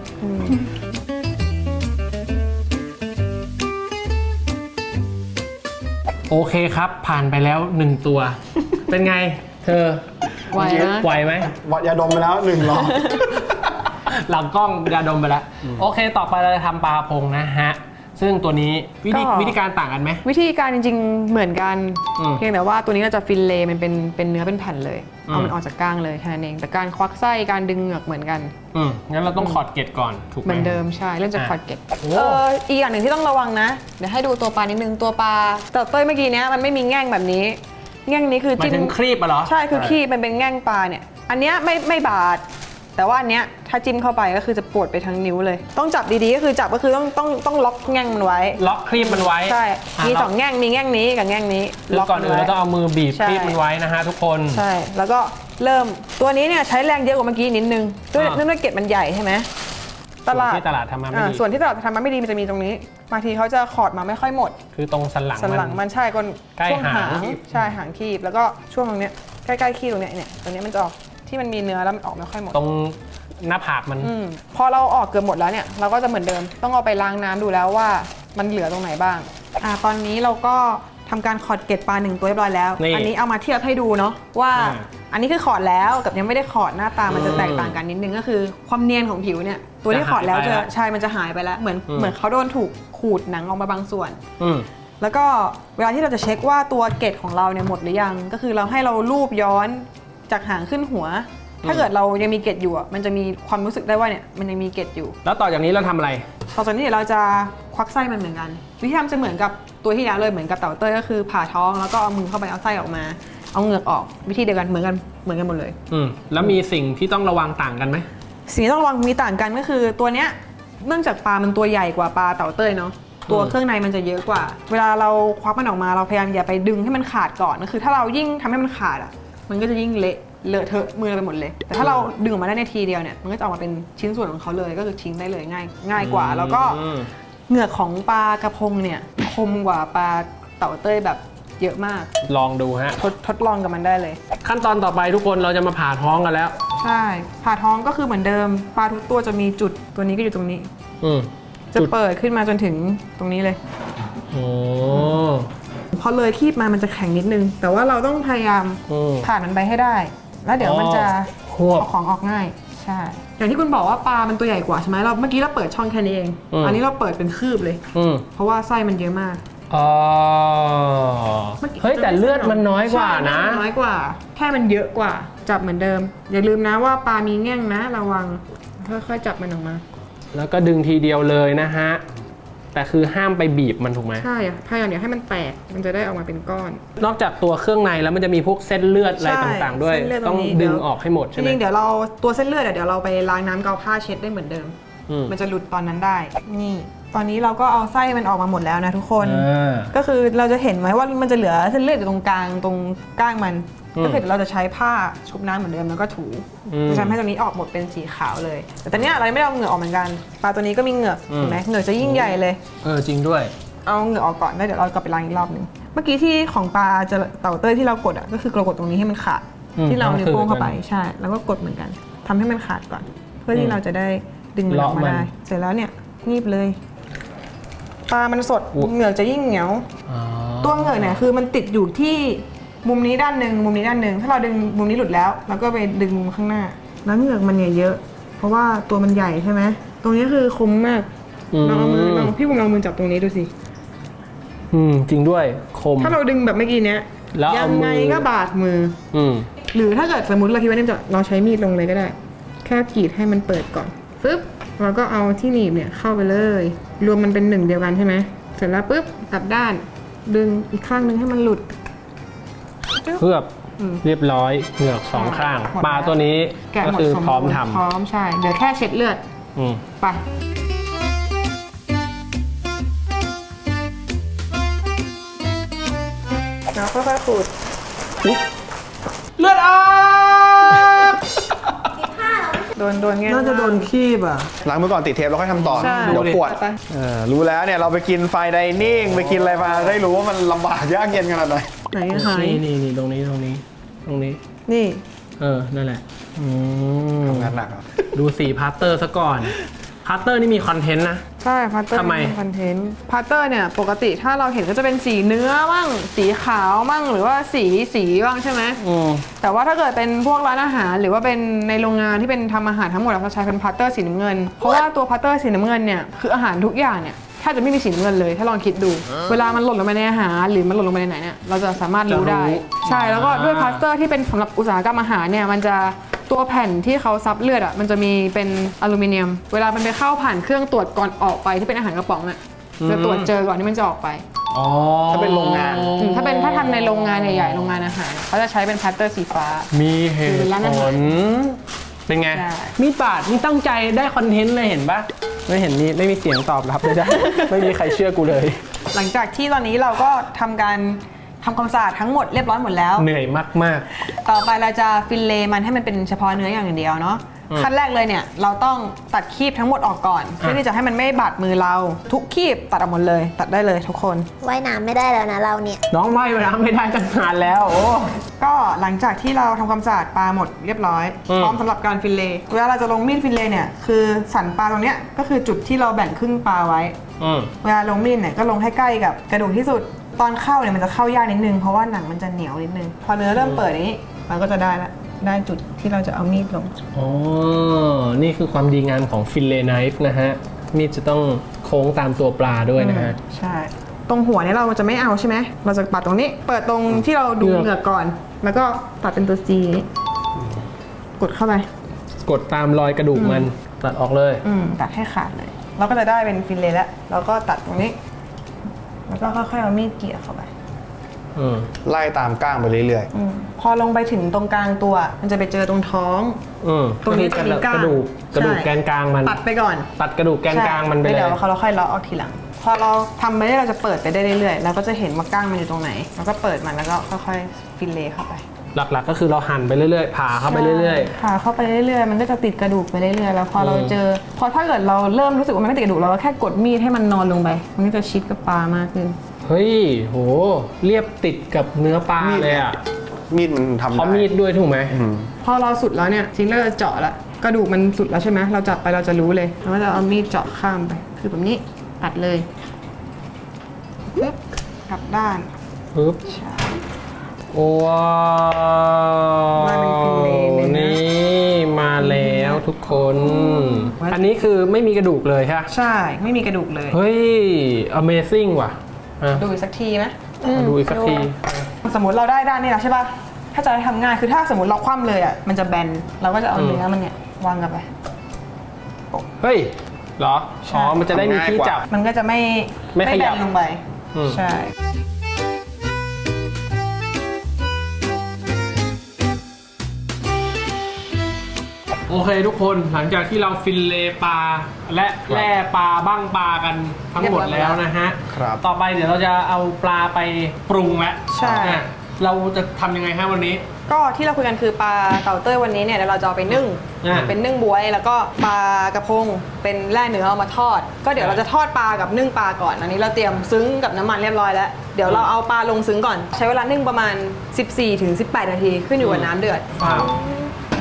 Speaker 1: โอเคครับ ผ่านไปแล้ว1ตัว เป็นไง เธอ
Speaker 2: ไหวนะ
Speaker 1: ไหวไหม
Speaker 3: วัดยาดมไปแล้ว1 รอบ
Speaker 1: หลังกล้องยาดมไปแล้ว โอเค ต่อไปเราจะทำปลาพงนะฮะ ซึ่งตัวนี้วิธีการต่างกันไหม
Speaker 2: วิธีการจริงๆเหมือนกัน
Speaker 1: อืม
Speaker 2: เพียงแต่ว่าตัวนี้เราจะฟิลเลต์มันเป็นเนื้อเป็นแผ่นเลย
Speaker 1: อืม
Speaker 2: เอามันออกจากก้างเลยแค่นั้นเองแต่การควักไส้การดึงเหงือกเหมือนกัน
Speaker 1: งั้นเราต้องขอดเกล็ดก่อน ถูกไหม
Speaker 2: เหมือนเดิมใช่เริ่มจากคอร์ดเก็ต
Speaker 1: โอ้
Speaker 2: อีกอย่างหนึ่งที่ต้องระวังนะ เดี๋ยวให้ดูตัวปลานิดนึงตัวปลาแต่เต้ยเมื่อกี้เนี้ยมันไม่มีแง่งแบบนี้ แง่งนี้คือ
Speaker 1: หมายถึงครีบอะเหรอ
Speaker 2: ใช่คือขี้มันเป็นแง่งปลาเนี่ยอันเนี้ยไม่บาดแต่ว่าอันเนี้ยถ้าจิ้มเข้าไปก็คือจะปวดไปทั้งนิ้วเลย ต้องจับดีๆก็คือจับก็คือต้องล็อกแง่งมันไว้
Speaker 1: ล็อกครีบมันไว้
Speaker 2: ใช่ มี
Speaker 1: ล็ก
Speaker 2: 2 แง่งมีแง่งนี้กับแง่งนี้
Speaker 1: คือก่อนอื่น
Speaker 2: มั
Speaker 1: เรา
Speaker 2: ไว้
Speaker 1: ต้องเอามือบีบ
Speaker 2: ใช่
Speaker 1: ครีบมันไว้นะฮะทุกคน
Speaker 2: ใช่ แล้วก็เริ่มตัวนี้เนี่ยใช้แรงเยอะกว่าเมื่อกี้นิดนึงด้วย
Speaker 1: อ่า
Speaker 2: เนื่องด้วยเกล็ดมันใหญ่ใช่ไหม
Speaker 1: ส่วนที่ตลาดทำมาไม่ดี
Speaker 2: ส่วนที่ตลาดทำมาไม่ดีมันจะมีตรงนี้บางทีเขาจะขอดมาไม่ค่อยหมด
Speaker 1: คือตรงสันหลัง
Speaker 2: สันหลังมันใช่ก้น
Speaker 1: ใกล้
Speaker 2: ช่วง
Speaker 1: หาง
Speaker 2: ใช่หางคีบแล้วก็ช่วงตรงเนี้ยใกล้ๆคีบตรงเนี้ยเนี่ยตรงเนี้ยมันจะออกที่มันมีเนื้อแล้วมันออกไม่ค่อยหมด
Speaker 1: ตรงหน้าผากมัน
Speaker 2: พอเราออกเกือบหมดแล้วเนี่ยเราก็จะเหมือนเดิมต้องเอาไปล้างน้ำดูแล้วว่ามันเหลือตรงไหนบ้างตอนนี้เราก็ทำการขอดเกล็ดปลา1 ตัวเรียบร้อยแล้ว
Speaker 1: นี่
Speaker 2: อันนี้เอามาเทียบให้ดูเนาะว่า อันนี้คือขอดแล้วกับยังไม่ได้ขอดหน้าตามันจะ
Speaker 1: อืม
Speaker 2: แตกต่างกันนิดนึงก็คือความเนียนของผิวเนี่ยตัวที่ขอดแล้ว
Speaker 1: จะหายไป
Speaker 2: จะ
Speaker 1: แล้ว
Speaker 2: ใช่มันจะหายไปแล้วเหมือนเขาโดนถูกขูดหนังออกมาบางส่วน
Speaker 1: อืม
Speaker 2: แล้วก็เวลาที่เราจะเช็คว่าตัวเกล็ดของเราเนี่ยหมดหรือยังก็คือเราให้เราลูบย้อนจากหางขึ้นหัว ถ้าเกิดเรายังมีเกล็ดอยู่อะมันจะมีความรู้สึกได้ว่าเนี่ยมันยังมีเกล็ดอยู่
Speaker 1: แล้วต่อจากนี้เราทำอะไร
Speaker 2: ต่อจากนี้เดี๋ยวเราจะควักไส้มันเหมือนกันวิธีทำจะเหมือนกับตัวที่แล้วเลยเหมือนกับเต่าเต้ยก็คือผ่าท้องแล้วก็เอามือเข้าไปเอาไส้ออกมาเอาเหงือกออกวิธีเดียวกันเหมือนกันหมดเลย
Speaker 1: แล้วมีสิ่งที่ต้องระวังต่างกันไหม
Speaker 2: สิ่งที่ต้องระวังมีต่างกันก็คือตัวเนี้ยเนื่องจากปลามันตัวใหญ่กว่าปลาเต่าเต้ยเนาะตัวเครื่องในมันจะเยอะกว่า เวลาเราควักมันออกมาเราพยายามอย่าไปดึงให้มันขาดก่อนก็คือถ้าเรายิ่งทำให้มันขาดอ่ะมันก็จะยิ่งเลอะเทอะมือเราไปหมดเลย แต่ถ้าเราดึงออกมาได้ในทีเดียวเนี่ยมันก็จะออกมาเป็นชิ้นส่วนของเขาเลยก็คือทิ้งได้เลยง่ายกว่า แล้วก็เหงือกของปลากระพงเนี่ยคมกว่าปลาเต่าเต้ยแบบเยอะมาก
Speaker 1: ลองดูฮะ
Speaker 2: ทดลองกับมันได้เลย
Speaker 1: ขั้นตอนต่อไปทุกคนเราจะมาผ่าท้องกันแล้ว
Speaker 2: ใช่ผ่าท้องก็คือเหมือนเดิมปลาทุกตัวจะมีจุดตัวนี้ก็อยู่ตรงนี้
Speaker 1: อืม
Speaker 2: จะเปิดขึ้นมาจนถึงตรงนี้เลย
Speaker 1: โอ้
Speaker 2: พอเลยคีบมามันจะแข็งนิดนึง แต่ว่าเราต้องพยายาม
Speaker 1: อืม
Speaker 2: ผ่านมันไปให้ได้ แล้วเดี๋ยวมันจะ
Speaker 1: ควบ
Speaker 2: เอาของออกง่าย ใช่ อย่างที่คุณบอกว่าปลามันตัวใหญ่กว่าใช่ไหมเราเมื่อกี้เราเปิดช่องแค่นี้เอง อันนี้เราเปิดเป็นคืบเลย
Speaker 1: อืม
Speaker 2: เพราะว่าไส้มันเยอะมาก
Speaker 1: อ๋อเฮ้ยแต่เลือดมันน้อยกว่านะ
Speaker 2: ใช่เลือดมันน้อยกว่า แค่มันเยอะกว่า จับเหมือนเดิม อย่าลืมนะว่าปลามีแง่งนะระวัง ค่อยๆจับมันออกมา
Speaker 1: แล้วก็ดึงทีเดียวเลยนะฮะ แต่คือห้ามไปบีบมันถูกไหม
Speaker 2: ใช่พยายามอย่าให้มันแตก มันจะได้ออกมาเป็นก้อน
Speaker 1: นอกจากตัวเครื่องในแล้วมันจะมีพวกเส้นเลือดอะไร
Speaker 2: ใช่
Speaker 1: ต่างๆ ด้วย
Speaker 2: เส้นเลือดต
Speaker 1: ต้
Speaker 2: ร
Speaker 1: อง
Speaker 2: งนี้
Speaker 1: ดึง
Speaker 2: เดี๋ยว
Speaker 1: ออกให้หมด
Speaker 2: จ
Speaker 1: ใช่ไหม
Speaker 2: ริงๆเดี๋ยวเราตัวเส้นเลือดเดี๋ยวเราไปล้างน้ำเกาผ้าเช็ดได้เหมือนเดิม
Speaker 1: อืม
Speaker 2: มันจะหลุดตอนนั้นได้ นี่ ตอนนี้เราก็เอาไส้มันออกมาหมดแล้วนะทุกคน
Speaker 1: อ่า
Speaker 2: ก็คือเราจะเห็นไหมว่ามันจะเหลือเส้นเลือดอยู่ตรงกลางตรงก้างมัน
Speaker 1: อืม
Speaker 2: ก็คือเดี๋ยวเราจะใช้ผ้าชุบน้ำเหมือนเดิมแล้วก็ถู จะทำให้ตรงนี้ออกหมดเป็นสีขาวเลย แต่ตอนเนี้ยเราไม่ได้เอาเหงือกออกเหมือนกัน ปลาตัวนี้ก็มีเหงือกเห็นไหมเหงือกจะยิ่งใหญ่เลย
Speaker 1: จริงด้วย
Speaker 2: เอาเหงือกออกก่อนแล้วเดี๋ยวเรากลับไปล้างอีกรอบหนึ่งเมื่อกี้ที่ของปลาจะเต่าเต้ยที่เรากดอ่ะก็คือเรากดตรงนี้ให้มันขาด
Speaker 1: อืม
Speaker 2: ที่เรานิ้วโป้งเข้าไป
Speaker 1: ต้องคืนกัน
Speaker 2: ใช่แล้วก็กดเหมือนกันทำให้มันขาดก่อนพื่อที่เราจะได้ดึงมันออกมาได้เสร็จแล้วเนี่ยงีบเลยปลามันสดเหงือกจะยิ่งเหนียวตัวเหงือกเนี่ยคือมันติดอยู่ที่มุมนี้ด้านหนึ่งมุมนี้ด้านหนึ่งถ้าเราดึงมุมนี้หลุดแล้วเราก็ไปดึงมุมข้างหน้าแล้วเหงือกมันเนี่ยเยอะเพราะว่าตัวมันใหญ่ใช่ไหมตรงนี้คือคมมากลองเอามือลองพี่บุ๋มลองมือจับตรงนี้ดูสิ
Speaker 1: จริงด้วยคม
Speaker 2: ถ้าเราดึงแบบเมื่อกี้เนี้ยยังไงก็บาดมือหรือถ้าเกิดสมมติเราคิดว่าเนี่ยจะเราใช้มีดลงเลยก็ได้แค่กรีดให้มันเปิดก่อนฟึบเราก็เอาที่หนีบเนี่ยเข้าไปเลยรวมมันเป็นหนึ่งเดียวกันใช่ไหมเสร็จแล้วปุ๊บกลับด้านดึงอีกข้างนึงให้มันหลุด
Speaker 1: เพื่อเรียบร้อยเหงือกสองข้างปลาตัวนี้ก็คือพร้อมทำ
Speaker 2: พร้อมใช่เดี๋ยวแค่เช็ดเลือดไปแล้วค่อยๆขูด
Speaker 1: เลือดออก
Speaker 2: โดน
Speaker 1: น่าจะโดนคีบอ่ะ
Speaker 3: ล้างมือก่อนติดเทปแล้วค่อยทำต่อเดี๋ยวปวดรู้แล้วเนี่ยเราไปกินไฟไดนิ่งไปกินอะไรมาได้รู้ว่ามันลำบากยากเย็นขนาดไหน
Speaker 2: ไหนหาย
Speaker 1: นี่ตรงนี้
Speaker 2: นี่
Speaker 1: นั่นแหละ
Speaker 3: ทำงานหนัก
Speaker 1: ดูสีพาร์เตอร์ซะก่อนพาร์เตอร์นี่มีคอนเทนต์นะ
Speaker 2: ใช่พาร์เตอร์มีคอนเทนต์พาร์เตอร์เนี่ยปกติถ้าเราเห็นก็จะเป็นสีเนื้อบ้างสีขาวบ้างหรือว่าสีบ้างใช่ไหมแต่ว่าถ้าเกิดเป็นพวกร้านอาหารหรือว่าเป็นในโรงงานที่เป็นทำอาหารทั้งหมดเราจะใช้เป็นพาร์เตอร์สีน้ำเงินเพราะว่าตัวพาร์เตอร์สีน้ำเงินเนี่ยคืออาหารทุกอย่างเนี่ยแทบจะไม่มีสีน้ำเงินเลยถ้าลองคิดดูเวลามันหล่นลงไปในอาหารหรือมันหล่นลงไปในไหนเนี่ยเราจะสามารถรู้ได้ใช่แล้วก็ด้วยพาร์เตอร์ที่เป็นสำหรับอุตสาหกรรมอาหารเนี่ยมันจะตัวแผ่นที่เขาซับเลือดอ่ะมันจะมีเป็นอลูมิเนียมเวลามันไปเข้าผ่านเครื่องตรวจก่อนออกไปที่เป็นอาหารกระป๋องอ่ะจะตรวจเจอก่อนที่มันจะออกไป
Speaker 3: ถ้าเป็นโรงงาน
Speaker 2: ถ้าทำในโรงงานใหญ่ๆโรงงานอาหารเขาจะใช้เป็นพาร์เตอร์สีฟ้า
Speaker 1: มีเหตุผลเป็นไงมีดบาดนี่ตั้งใจได้คอนเทนต์เลยเห็นปะไม่เห็นนี่ไม่มีเสียงตอบรับเลยได้ ไม่มีใครเชื่อกูเลย
Speaker 2: หลังจากที่ตอนนี้เราก็ทำความสะอาดทั้งหมดเรียบร้อยหมดแล้ว
Speaker 1: เหนื่อยมาก
Speaker 2: ต่อไปเราจะฟิลเลต์มันให้มันเป็นเฉพาะเนื้ออย่างเดียวเนาะขั้นแรกเลยเนี่ยเราต้องตัดคีบทั้งหมดออกก่อนเพื่อที่จะให้มันไม่บาดมือเราทุกคีบตัดออกหมดเลยตัดได้เลยทุกคน
Speaker 4: ว่ายน้ำไม่ได้แล้วนะเราเนี่ย
Speaker 1: น้องว่ายน้ำไม่ได้ตั้งนานแล้วโอ้
Speaker 2: ก็หลังจากที่เราทำความสะอาดปลาหมดเรียบร้อยพร้อมสำหรับการฟิลเลต์เวลาเราจะลงมีดฟิลเลต์เนี่ยคือสันปลาตรงเนี้ยก็คือจุดที่เราแบ่งครึ่งปลาไว้เวลาลงมีดเนี่ยก็ลงให้ใกล้กับกระดูกที่สุดตอนเข้าเนี่ยมันจะเข้ายากนิดนึงเพราะว่าหนังมันจะเหนียวนิดนึงพอเนื้อเริ่มเปิดนี้มันก็จะได้จุดที่เราจะเอามีดลง
Speaker 1: นี่คือความดีงามของฟิลเลต์ไนฟ์นะฮะมีดจะต้องโค้งตามตัวปลาด้วยนะฮะ
Speaker 2: ใช่ตรงหัวเนี่ยเราจะไม่เอาใช่ไหมเราจะปัดตรงนี้เปิดตรงที่เราดูเหงือกก่อนแล้วก็ตัดเป็นตัว C กดเข้าไป
Speaker 1: กดตามรอยกระดูกมันตัดออกเลย
Speaker 2: ตัดให้ขาดเลยเราก็จะได้เป็นฟิลเลต์แล้วเราก็ตัดตรงนี้แล้วก็ค่อยๆเอามีดเกี่ยเข้าไป
Speaker 3: ไล่ตามก้างไปเรื่อย
Speaker 2: ๆพอลงไปถึงตรงกลางตัวมันจะไปเจอตรงท้อง
Speaker 1: ตรงนี้จะมีกระดูกแกนกลางมัน
Speaker 2: ตัดไปก่อน
Speaker 1: ตัดกระดูกแกนกลางมันไปเลย
Speaker 2: เดี๋ยวเราค่อยเลาะออกทีหลังพอเราทำไปได้เราจะเปิดไปได้เรื่อยๆเราก็จะเห็นว่าก้างมันอยู่ตรงไหนแล้วก็เปิดมันแล้วก็ค่อยๆฟิลเลต์เข้าไป
Speaker 1: หลักๆก็คือเราหั่นไปเรื่อยๆผ่าเข้าไปเรื่อย
Speaker 2: ๆผ่าเข้าไปเรื่อยๆมันก็จะติดกระดูกไปเรื่อยๆแล้วพอเราเจอพอถ้าเกิดเราเริ่มรู้สึกว่ามันไม่ติดกระดูกเราก็แค่กดมีดให้มันนอนลงไปมันก็จะชิดกับปลามากขึ้น
Speaker 1: เฮ้ยโหเรียบติดกับเนื้อปลาเลยอ่ะ
Speaker 3: มีดมันทำได้
Speaker 1: เพราะมีดด้วยถูกไหม
Speaker 2: พอเราสุดแล้วเนี่ยจริงแล้วเราเจาะละกระดูกมันสุดแล้วใช่ไหมเราจับไปเราจะรู้เลยเราก็จะเอามีดเจาะข้ามไปคือแบบนี้ตัดเลยปึ๊บกลับด้าน
Speaker 1: ปึ๊บว้าวนี่มาแล้วทุกคนอันนี้คือไม่มีกระดูกเลยใช่
Speaker 2: ใช่ไม่มีกระดูกเลย
Speaker 1: เฮ้ย Amazing ว่ะ
Speaker 2: ดูอีกสักทีไหม
Speaker 1: ดูอีกสักที
Speaker 2: สมมติเราได้ด้านนี้แล้วใช่ป่ะถ้าจะทำง่ายคือถ้าสมมติเราคว่ำเลยอ่ะมันจะแบนเราก็จะเอาเนื้อมันเนี่ยวางกันไป
Speaker 1: เฮ้ยเหรออ๋อมันจะได้มีที่จับ
Speaker 2: มันก็จะไม่
Speaker 1: ขยับ
Speaker 2: ลงไปใช่
Speaker 1: โอเคทุกคนหลังจากที่เราฟิลเลต์ปลาและแล่ปลาบ้างปลากันทั้งหมดแล้วนะฮะต่อไปเดี๋ยวเราจะเอาปลาไปปรุงแล้ว
Speaker 2: ใช่
Speaker 1: เราจะทำยังไงฮะวันนี้
Speaker 2: ก็ที่เราคุยกันคือปลาเต่าเต้ยวันนี้เนี่ยเดี๋ยวเราจะเอาไปนึ่งเป็นนึ่งบ๊วยแล้วก็ปลากระพงเป็นแล่เนื้อเอามาทอดก็เดี๋ยวเราจะทอดปลากับนึ่งปลาก่อนอันนี้เราเตรียมซึ้งกับน้ำมันเรียบร้อยแล้วเดี๋ยวเราเอาปลาลงซึ้งก่อนใช้เวลานึ่งประมาณ 14-18 นาทีขึ้นอยู่กับน้ำเดือด
Speaker 1: โอ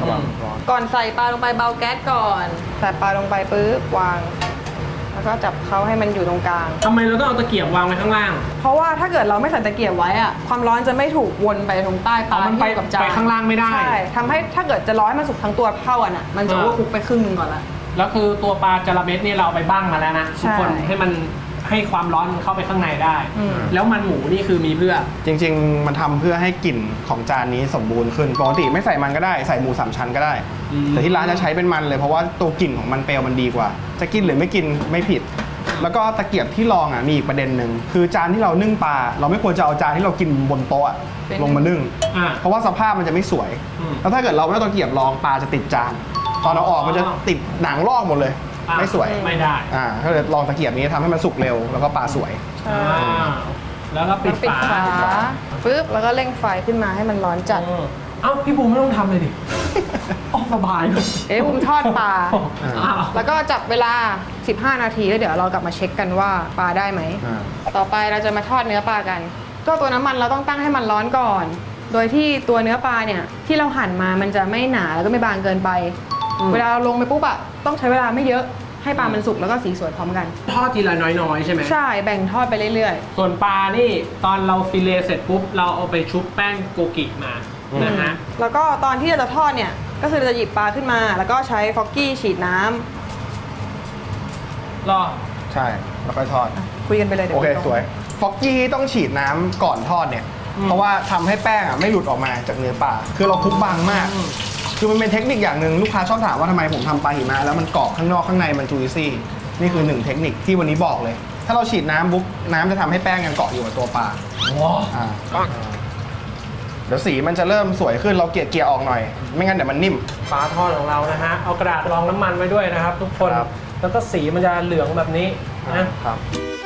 Speaker 3: ระวังร้อน
Speaker 2: ก่อนใส่ปลาลงไปเบาแก๊สก่อน ใส่ปลาลงไปปุ๊บวาง แล้วก็จับเขาให้มันอยู่ตรงกลาง
Speaker 1: ทำไมเราต้องเอาตะเกียบวางไว้ข้างล่าง
Speaker 2: เพราะว่าถ้าเกิดเราไม่ใส่ตะเกียบไว้อะความร้อนจะไม่ถูกวนไปตรงใต้ปลา
Speaker 1: มันไป
Speaker 2: ที่อยู่กับจาน
Speaker 1: ไปข้างล่างไม่ได้
Speaker 2: ใช่ทำให้ถ้าเกิดจะร้อนให้มันสุกทั้งตัวเท่ากันอะมันจะว่าคุกไปครึ่งหนึงก่อนละ
Speaker 1: แล้วคือตัวปลาจาระเม็ดเนี่ยเราเอาไปบ้างมาแล้วนะทุกคน
Speaker 2: ใช่
Speaker 1: ให้มันให้ความร้อนมันเข้าไปข้างในได้ แล้วมันหมูนี่คือมีเพื่อ
Speaker 3: จริงๆ มันทำเพื่อให้กลิ่นของจานนี้สมบูรณ์ขึ้นปกติไม่ใส่มันก็ได้ใส่หมู3ชั้นก็ได้ แต่ที่ร้านจะใช้เป็นมันเลยเพราะว่าตัวกลิ่นของมันเปลวมันดีกว่า จะกินหรือไม่กินไม่ผิด แล้วก็ตะเกียบที่รองมีอีกประเด็นหนึ่งคือจานที่เรานึ่งปลาเราไม่ควรจะเอาจานที่เรากินบนโต๊ะลงมานึ่ง เพราะว่าสภาพมันจะไม่สวย แล้วถ้าเกิดเราไม่เอาตะเกียบรองปลาจะติดจานตอนเราออกมันจะติดหนังลอกหมดเลย ไม่สวย
Speaker 1: ไม่ได้
Speaker 3: ก็เลยลองตะเกียบนี้ทำให้มันสุกเร็วแล้วก็ปลาสวย
Speaker 1: แล้วก็ปิด
Speaker 2: ปิด
Speaker 1: ฝา
Speaker 2: ฝาปึ๊บแล้วก็เร่งไฟขึ้นมาให้มันร้อนจัด
Speaker 1: เอ้าพี่บูมไม่ต้องทำเลยดิออกสบายเลย
Speaker 2: บุมทอดปลา
Speaker 1: อ้าว
Speaker 2: แล้วก็จับเวลา 15 นาทีแล้วเดี๋ยวเรากลับมาเช็คกันว่าปลาได้ไหม ต่อไปเราจะมาทอดเนื้อปลากัน ก็ตัวน้ำมันเราต้องตั้งให้มันร้อนก่อน โดยที่ตัวเนื้อปลาเนี่ยที่เราหั่นมามันจะไม่หนาแล้วก็ไม่บางเกินไป เวลาเราลงไปปุ๊บอะต้องใช้เวลาไม่เยอะให้ปลามันสุกแล้วก็สีสวยพร้อมกัน
Speaker 1: ทอดทีละน้อยๆใช่ไหม
Speaker 2: ใช่แบ่งทอดไปเรื่อย
Speaker 1: ส่วนปลานี่ตอนเราฟิเลเสร็จปุ๊บเราเอาไปชุบแป้งโกกิมานะฮะ
Speaker 2: ๆ แล้วก็ตอนที่เราจะทอดเนี่ยก็คือเราจะหยิบปลาขึ้นมาแล้วก็ใช้ฟอกกี้ฉีดน้ำ
Speaker 1: รอ
Speaker 3: ใช่แล้วค่อยทอด
Speaker 2: คุยกันไปเลยเดี๋ยว
Speaker 3: โอเค
Speaker 2: ผม
Speaker 3: สวยฟอกกี้ต้องฉีดน้ำก่อนทอดเนี่ย เพราะว่าทำให้แป้งไม่หลุดออกมาจากเนื้อปลาคือเราคลุกบางมาก คือมันเป็นเทคนิคอย่างหนึ่งลูกค้าชอบถามว่าทำไมผมทำปลาหิมะแล้วมันกรอบข้างนอกข้างในมันจูซี่นี่คือหนึ่งเทคนิคที่วันนี้บอกเลย ถ้าเราฉีดน้ำปุ๊บน้ำจะทำให้แป้งยังเกาะอยู่กับตัวปลา
Speaker 1: ว้า
Speaker 3: เดี๋ยวสีมันจะเริ่มสวยขึ้นเราเกลี่ยออกหน่อย ไม่งั้นเดี๋ยวมันนิ่ม
Speaker 1: ปลาทอดของเรานะฮะเอากระดาษรองน้ำมันไว้ด้วยนะครับ ทุกคน
Speaker 3: ครับ
Speaker 1: แล้วก็สีมันจะเหลืองแบบนี้นะ
Speaker 3: ครับ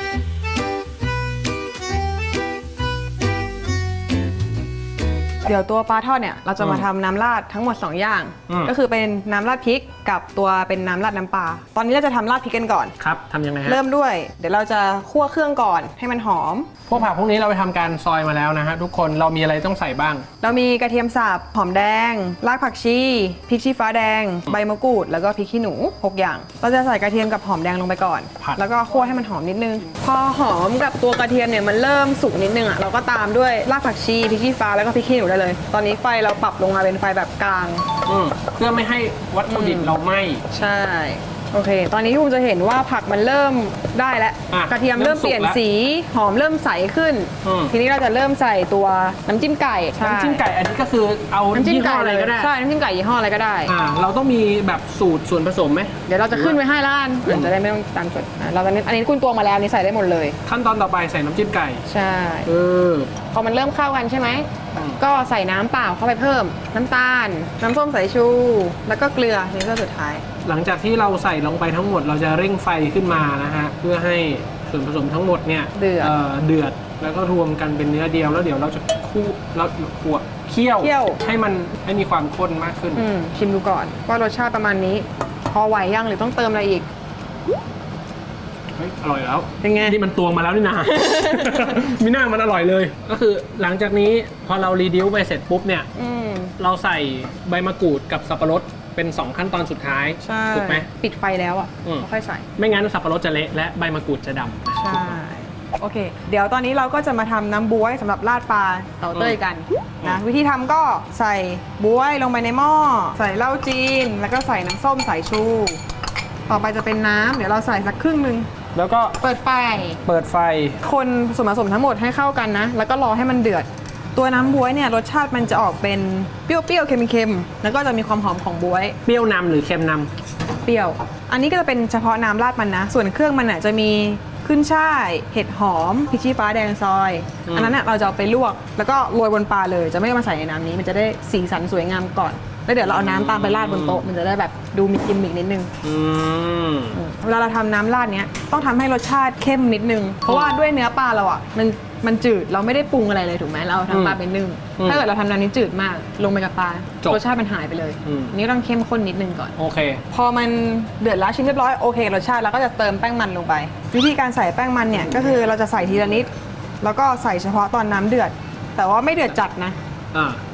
Speaker 2: เดี๋ยวตัวปลาทอดเนี่ยเราจะมาทำน้ำราดทั้งหมด 2 อย่าง ก็คือเป็นน้ำราดพริกกับตัวเป็นน้ำราดน้ำปลาตอนนี้เราจะทำราดพริกกันก่อน
Speaker 1: ครับทำยังไงฮะ
Speaker 2: เริ่มด้วย เดี๋ยวเราจะคั่วเครื่องก่อนให้มันหอม
Speaker 1: พวกผักพวกนี้เราไปทำการซอยมาแล้วนะฮะทุกคนเรามีอะไรต้องใส่บ้าง
Speaker 2: เรามีกระเทียมสับหอมแดงรากผักชีพริกชี้ฟ้าแดง ใบมะกรูด แล้วก็พริกขี้หนู 6 อย่าง เราจะใส่กระเทียมกับหอมแดงลงไปก่อน
Speaker 1: ผัด
Speaker 2: แล้วก็คั่วให้มันหอมนิดนึง พอหอมกับตัวกระเทียมเนี่ยมันเริ่มสุกนิดนึงอ่ะเราก็ตามด้วยรากผักชีพริกชี้ฟ้าแล้วก็พริกขี้หนูได้เลย ตอนนี้ไฟเราปรับลงมาเป็นไฟแบบกลาง
Speaker 1: เพื่อไม่ให้วัตถุดิบเราไหม้
Speaker 2: ใช่ โอเค ตอนนี้คุณจะเห็นว่าผักมันเริ่มได้แล้ว
Speaker 1: อ่ะ
Speaker 2: กระเทียมเริ่มเปลี่ยน
Speaker 1: เริ่มสุกแล้ว
Speaker 2: สี หอมเริ่มใสขึ้น ทีนี้เราจะเริ่มใส่ตัวน้ำจิ้มไก่ใช่
Speaker 1: น้ำจิ้มไก่อันนี้ก็คือเอา
Speaker 2: น้ำจิ้ม
Speaker 1: ยี่ห้
Speaker 2: ไก่
Speaker 1: ออะไรก็ได้
Speaker 2: ใช่ น้ำจิ้มไก่ยี่ห้ออะไรก็ได้
Speaker 1: เราต้องมีแบบสูตรส่วนผสมไหม
Speaker 2: เดี๋ยวเราจะขึ้นไว้ให้ละกันจะได้ไม่ต้องตามจดเราจะอันนี้คุณตวงมาแล้วอันนี้ใส่ได้หมดเลย
Speaker 1: ขั้นตอนต่อไปใส่น้ำจิ้มไก่
Speaker 2: ใช่
Speaker 1: อ
Speaker 2: พอมันเริ่มเข้ากันใช่ไหม ก็ใส่น้ำเปล่าเข้าไปเพิ่ม น้ำตาล น้ำส้มสายชู แล้วก็เกลือในเรื่องสุดท้าย
Speaker 1: หลังจากที่เราใส่ลงไปทั้งหมดเราจะเร่งไฟขึ้นมานะฮะเพื่อให้ส่วนผสมทั้งหมดเนี่ย
Speaker 2: เดือด
Speaker 1: เดือดแล้วก็รวมกันเป็นเนื้อเดียวแล้วเดี๋ยวเราจะคั่วเคี่ยวให้มันให้มีความข้นมากขึ้น
Speaker 2: ชิมดูก่อนว่ารสชาติประมาณนี้ พอไหวยังหรือต้องเติมอะไรอีก
Speaker 1: เฮ้ยอร่อยแล้ว
Speaker 2: เป็นไง
Speaker 1: นี่มันตวงมาแล้วนี่นา มีหน้ามันอร่อยเลย ก็คือหลังจากนี้พอเรารีดิวไปเสร็จปุ๊บเนี่ย เราใส่ใบมะกรูดกับสับปะรดเป็น 2 ขั้นตอนสุดท้าย
Speaker 2: ใช่
Speaker 1: ถูกไหม
Speaker 2: ปิดไฟแล้วอ่ะแล้วค่อยใส่
Speaker 1: ไม่งั้นสับปะรดจะเละและใบมะกรูดจะดำ
Speaker 2: ใช่ โอเค เดี๋ยวตอนนี้เราก็จะมาทำน้ำบ๊วยสำหรับราดปลาเต่าเต้ยกันนะ วิธีทำก็ใส่บ๊วยลงไปในหม้อ ใส่เหล้าจีน แล้วก็ใส่น้ำส้มสายชู ต่อไปจะเป็นน้ำเดี๋ยวเราใส่สักครึ่งนึง
Speaker 1: แล้วก็
Speaker 2: เปิดไฟ
Speaker 1: เปิดไฟ
Speaker 2: คนส่วนผสมทั้งหมดให้เข้ากันนะ แล้วก็รอให้มันเดือด ตัวน้ำบ๊วยเนี่ยรสชาติมันจะออกเป็นเปรี้ยวๆ เค็มๆ แล้วก็จะมีความหอมของบ๊วย
Speaker 1: เปรี้ยวนำหรือเค็มน
Speaker 2: เปรี้ยว อันนี้ก็จะเป็นเฉพาะน้ำราดมันนะ ส่วนเครื่องมันน่ะจะมีขึ้นช่าย เห็ดหอมพริกชี้ฟ้าแดงซอย อันนั้นน่ะเราจะเอาไปลวก แล้วก็โรยบนปลาเลย จะไม่เอามาใส่ในน้ำนี้ มันจะได้สีสันสวยงามก่อน แล้วเดี๋ยวเราเอาน้ำตามไปราดบนโต๊ะ มันจะได้แบบดูมีกิมมิกนิดนึง
Speaker 1: ำ
Speaker 2: เวลาเราทำน้ำราดเนี้ยต้องทำให้รสชาติเข้มนิดนึง เพราะว่าด้วยเนื้อปลาเราอ่ะมันจืดเราไม่ได้ปรุงอะไรเลยถูกไหมเราทำปลาเป็นนึ่งถ้าเกิดเราทำน้ำนี้จืดมากลงไปกับปลารสชาติมันหายไปเลยอันนี่ต้องเข้มข้นนิดนึงก่อน
Speaker 1: โอเค
Speaker 2: พอมันเดือดแล้วชิมเรียบร้อยโอเครสชาติแล้วก็จะเติมแป้งมันลงไป วิธีการใส่แป้งมันเนี่ยก็คือเราจะใส่ทีละนิดแล้วก็ใส่เฉพาะตอนน้ำเดือด แต่ว่าไม่เดือดจัดนะ
Speaker 1: อ่า
Speaker 2: พ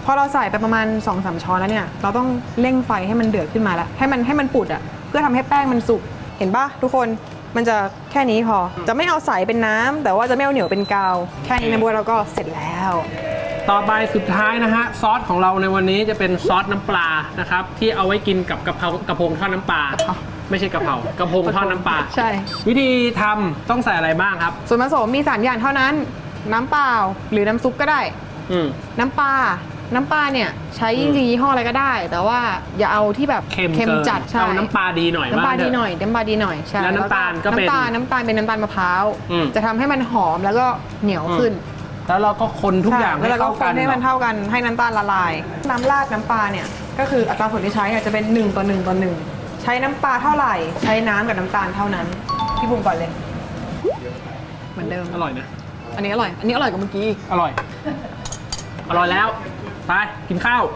Speaker 2: พอเราใส่ไปประมาณ 2-3 ช้อนแล้วเนี่ยเราต้องเร่งไฟให้มันเดือดขึ้นมาแล้วให้มันปุดอ่ะเพื่อทำให้แป้งมันสุกเห็นปะทุกคนมันจะแค่นี้พอจะไม่เอาใสเป็นน้ำแต่ว่าจะไม่เอาเหนียวเป็นกาวแค่นี้นะบัวเราก็เสร็จแล้ว
Speaker 1: ต่อไปสุดท้ายนะฮะซอสของเราในวันนี้จะเป็นซอสน้ำปลานะครับที่เอาไว้กินกับกระพงทอดน้ำปลาไม่ใช่กระเพรากระพงทอดน้ำปลา
Speaker 2: ใช่
Speaker 1: วิธีทำต้องใส่อะไรบ้างครับ
Speaker 2: ส่วนผสมมี3อย่างเท่านั้นน้ำเปล่าหรือน้ำซุปก็ได้
Speaker 1: อืม
Speaker 2: น้ำปลาเนี่ยใช้จริงๆยี่ห้ออะไรก็ได้ แต่ว่าอย่าเอาที่แบบ
Speaker 1: เค็ม
Speaker 2: จัดใช่
Speaker 1: เอาน้ำปลาดีหน่อย
Speaker 2: น้ำปลา
Speaker 1: ว่เถ
Speaker 2: ดี
Speaker 1: อะ
Speaker 2: หน่อยน้ำปลาดีหน่อยใช่
Speaker 1: แล้วน้ำตาลก็เป็น
Speaker 2: น้ำตาลเป็นน้ำตาลมะพร้าว
Speaker 1: อืม
Speaker 2: จะทำให้มันหอมแล้วก็เหนียวขึ้น
Speaker 1: แล้วเราก็คนทุกอย่าง
Speaker 2: ใช่
Speaker 1: ให้
Speaker 2: แล้วเราก็
Speaker 1: เข้า
Speaker 2: ค
Speaker 1: กัน
Speaker 2: นให้มันเท่ากันให้น้ำตาลละลาย น้ำราดน้ำปลาเนี่ยก็คืออัตราส่วนที่ใช้เนี่ยจะเป็น1:1:1ใช้น้ำปลาเท่าไหร่ใช้น้ำกับน้ำตาลเท่านั้นพี่บุ๋มก่อนเลยเหมือนเดิม
Speaker 1: อร่อยนะ
Speaker 2: อันนี้อร่อยกว่าเมื่อกี้
Speaker 1: อร่อยแล้วไปกินข้าว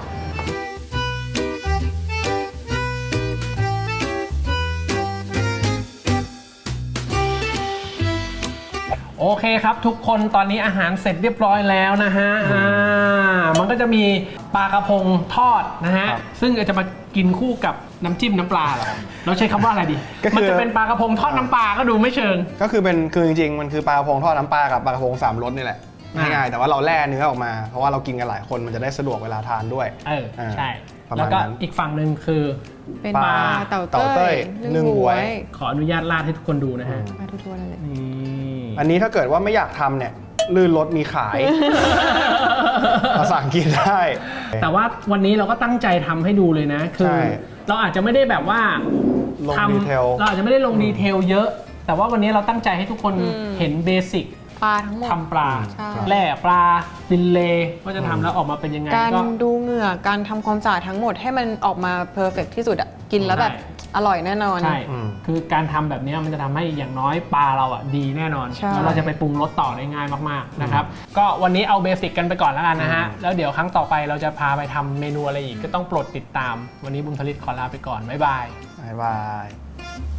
Speaker 1: โอเคครับทุกคนตอนนี้อาหารเสร็จเรียบร้อยแล้วนะฮะมันก็จะมีปลากระพงทอดนะฮะ
Speaker 3: ครับ
Speaker 1: ซึ่งจะมากินคู่กับน้ำจิ้มน้ำปลาเหรอเราใช้คำว่าอะไรดี
Speaker 3: ก็คือ
Speaker 1: มันจะเป็นปลากระพงทอดน้ำปลาก็ดูไม่เชิง
Speaker 3: ก็คือจริงๆมันคือปลากระพงทอดน้ำปลากับปลากระพง3รสนี่แหละ
Speaker 1: อ่า
Speaker 3: ง่ายๆแต่ว่าเราแล่เนื้อออกมาเพราะว่าเรากินกันหลายคนมันจะได้สะดวกเวลาทานด้วย
Speaker 1: ใช่
Speaker 3: ประ
Speaker 1: แล้ว
Speaker 3: มาณ
Speaker 1: ก็
Speaker 3: นั้น
Speaker 1: อีกฝั่งหนึ่งคือ
Speaker 2: เป็น
Speaker 3: ป
Speaker 2: ป
Speaker 3: ลา
Speaker 2: ลาเต่า
Speaker 3: เต่าเต้
Speaker 2: เต้
Speaker 3: ย
Speaker 2: ย
Speaker 3: นึ่งบ๊วย
Speaker 1: ขออนุญาตราดให้ทุกคนดูนะฮะ
Speaker 2: ปลาทั่วๆนั่นแหละ
Speaker 1: นี่
Speaker 3: อันนี้ถ้าเกิดว่าไม่อยากทำเนี่ยลื่นรสมีขาย มาสั่งกินได้
Speaker 1: แต่ว่าวันนี้เราก็ตั้งใจทำให้ดูเลยนะ คื
Speaker 3: ใช่
Speaker 1: เราอาจจะไม่ได้แบบว่า
Speaker 3: ลง
Speaker 1: ทำ
Speaker 3: ดีเทล
Speaker 1: เราอาจจะไม่ได้ลงดีเทลเยอะ แต่ว่าวันนี้เราตั้งใจให้ทุกคนเห็นเบสิก
Speaker 2: ปลาทั้งหมด
Speaker 1: ทำปลา
Speaker 2: ใช่
Speaker 1: แล่ปลาฟิลเล่ว่าจะทำแล้วออกมาเป็นยังไง
Speaker 2: การ
Speaker 1: ก็
Speaker 2: ดูเหงื่อการทำความสะอาดทั้งหมดให้มันออกมาเพอร์เฟกที่สุดอะกินแล้วแบบ
Speaker 1: ใช่
Speaker 2: อร่อยแน่นอน
Speaker 1: ใช่ คือการทำแบบนี้มันจะทำให้อย่างน้อยปลาเราอ่ะดีแน่นอน
Speaker 2: ใช่
Speaker 1: แล้วเราจะไปปรุงรสต่อได้ง่ายมากๆนะครับ ก็วันนี้เอาเบสิกกันไปก่อนแล้วกันนะฮะ แล้วเดี๋ยวครั้งต่อไปเราจะพาไปทำเมนูอะไรอีกก็ต้องโปรดติดตาม วันนี้บุญผลิตขอลาไปก่อน บ๊ายบาย
Speaker 3: บ๊ายบาย